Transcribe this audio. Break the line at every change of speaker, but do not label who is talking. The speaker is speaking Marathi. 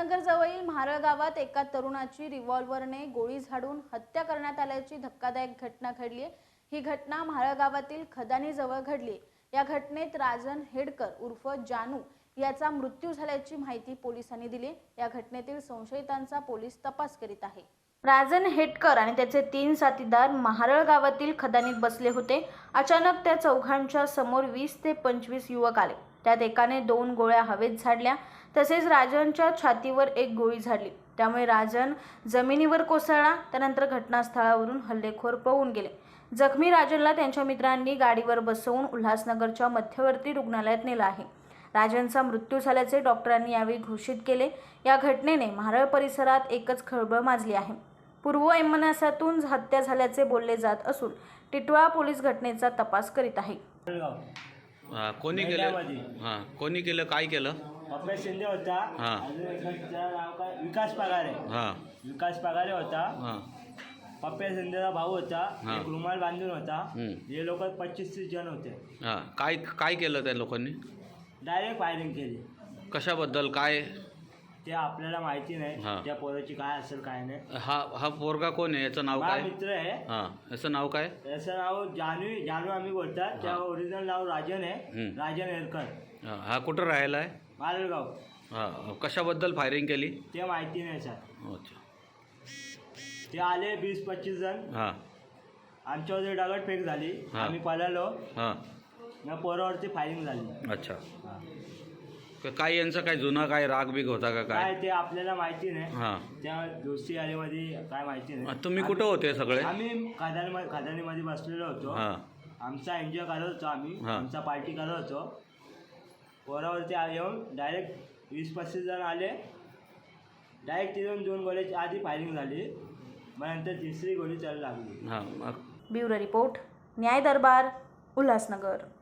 उल्हासनगर जवळील म्हारळ गावात एका तरुणाची रिव्हॉल्व्हरने गोळी झाडून हत्या करण्यात आल्याची धक्कादायक घटना घडली आहे। ही घटना म्हारळ गावातील खदानी जवळ घडली। या घटनेत राजन हेडकर उर्फ जानू याचा मृत्यू झाल्याची माहिती पोलिसांनी दिली। या घटनेतील संशयितांचा पोलीस तपास करीत आहे। राजन हेडकर आणि त्याचे 3 साथीदार म्हारळ गावातील खदानीत बसले होते। अचानक त्या चौघांच्या समोर 20 ते 25 युवक आले। त्यात एकाने 2 गोळ्या हवेत झाडल्या, तसेच राजनच्या छातीवर एक गोळी झाडली। त्यामुळे राजन जमिनीवर कोसळला। त्यानंतर घटनास्थळावरून हल्लेखोर पळून गेले। जखमी राजनला त्यांच्या मित्रांनी गाडीवर बसवून उल्हासनगरच्या मध्यवर्ती रुग्णालयात नेले आहे। राजनचा मृत्यू झाल्याचे डॉक्टरांनी यावेळी घोषित केले। या घटनेने म्हारळ परिसरात एकच खळबळ माजली आहे। पूर्ववैमनस्यातून हत्या झाल्याचे बोलले जात असून टिटवाळा पोलीस घटनेचा तपास करीत आहे।
कोणी केलं? कोणी केलं? काय केलं?
पप्पा शिंदे होता। अजून एकाचं नाव काय विकास पगारे। विकास पगारे होता। पप्पा शिंदेचा भाऊ होता। एक रुमाल बांधून होता। हे लोक 25-30 जण होते।
काय केलं त्या लोकांनी?
डायरेक्ट फायरिंग केली।
कशाबद्दल? काय
ते आपल्याला माहिती नाही। त्या पोराची काय असेल काय नाही।
हा पोरगा कोण आहे? याचं नाव काय?
मित्र आहे।
याचं नाव काय?
याचं नाव जानू आम्ही बोलतात। त्या ओरिजिनल नाव राजन आहे, राजन हेडकर।
हा कुठं राहायला आहे?
मालेगाव।
कशाबद्दल फायरिंग केली
ते माहिती नाही सर।
अच्छा,
ते आले 20-25 जण। आमच्यावर दगडफेक झाली। आम्ही पळालो। मग पोरावरती फायरिंग झाली।
अच्छा, काय यांचा काय जुना काय राग बिग होता का? काय
ते आपल्याला माहिती नाही। त्या दोस्ती आलीमध्ये काय माहिती नाही।
तुम्ही कुठं होते सगळे?
आम्ही खदानीमध्ये बसलेलो होतो। आमचा एन्जॉय करत होतो। आम्ही आमचा पार्टी करत होतो। पोरावरती येऊन डायरेक्ट 20-25 जण आले। डायरेक्ट तिथून 2 गोळ्याची आधी फायरिंग झाली। मग नंतर तिसरी गोळी चालू लागली।
ब्युरो रिपोर्ट, न्याय दरबार, उल्हासनगर।